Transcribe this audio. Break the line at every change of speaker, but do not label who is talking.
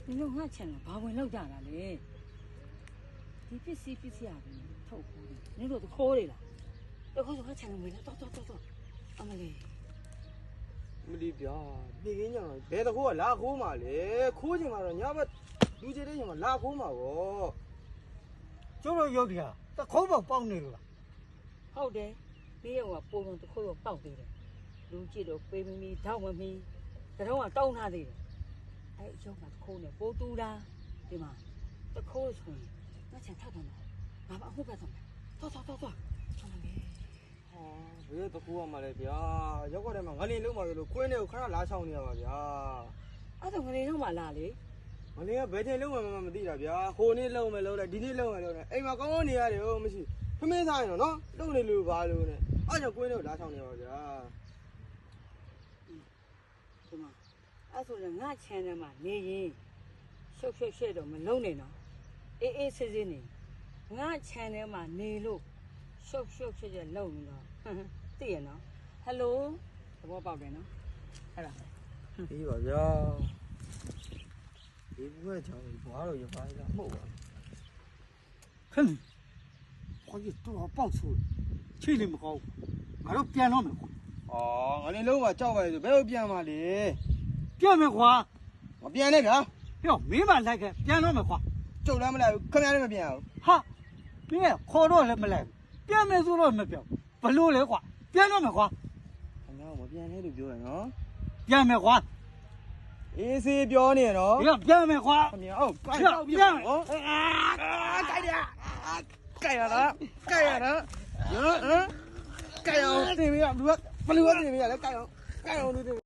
你弄俺钱了，把我老家了嘞。你必须啊，透苦的，你都可以了。要考虑俺钱了没了，走，阿妈嘞。
没得别，别跟你讲，别的苦拉苦嘛嘞，苦起嘛了，你要不，有些人嘛拉苦嘛哦。
就是有点，这口不帮你了。
好的，你要我包容都可以包的了。လူကြည့်တော့ပေးမီထောက်မမီကတော့တောင်းထားသေးတယ်အဲ့အကျောင်းကတခိုးနဲ့ပိုးတူတာဒီမှာတခိုးဆိုရင်ငါချန်ထပ်တော့မှာငါမအမှုပဲတော့မယ်သွားချောင်းမယ်
ဘယ်တကူမှလည်းဗျာရောက်ကြတယ်မှာငလင်းလုံးမှာလို့ကွင်းတွေကိုခဏလာချောင်းနေရပါဗျာ
အဲ့ဒါငနေတော့မှလာလေ
ငလင်းကဘယ်ချိန်လုံးမှမသိတာဗျာဟိုနေ့လုံးမယ်လုံးလိုက်ဒီနေ့လုံးမယ်လုံးလိုက်အိမ်မှာကောင်းကောင်းနေရတယ်ဟုတ်မရှိဖမင်းစားရင်တော့နော်လုံနေလို့ပါလို့နဲ့အဲ့ကြောင့်ကွင်းတွေကိုလာချောင်းနေပါဗျာ
ဒီမှာအဲ့ဆိုရင်ငါချန်ထဲမှာနေရင်ရှုပ်တော့မလုံးနဲ့နော်အေးဆေးနေငါချန်ထဲမှာနေလို့ရှုပ်လုံးနေတော့သိရနော်ဟယ်လိုသဘောပေါက်တယ်နော်အဲ့ဒါ
ဒီပါဗျာဒီဘွဲချောင်းဘွားတော့ရပါလားမဟုတ်ပါ
哼，我一多少报仇，气力没好，俺都变了没花，
အော်ငလင်းလုံးမှာကြောက်ပါလေဆိုဘယ်လိုပြန်มาလေ
变没花，
မပြန်နဲ့ဗျာ
哟，没嘛来个，变了没花，
ကျုပ်လည်းမလိုက်ဘူးခင်ဗျားလည်းမပြန်ဘူး
哈，别好多人没来，变没做了没变，不溜来花，变了没花，
ခင်ဗျားမပြန်နဲ့လို့ပြောရနော်
变没花，
အေးစေးပြောနေနော်
哟，变没花，
ခင်ဗျာဟုတ်ကြိုက်
变
တော့ပြန်နော်
变，
ကြိုက်ရကြိုက်ရလားကြိုက်ရလားဟမ်ကြိုက်အောင်တင်ပြလူကဘလူကတင်ပြလဲကြိုက်အောင်ကြိုက်အောင်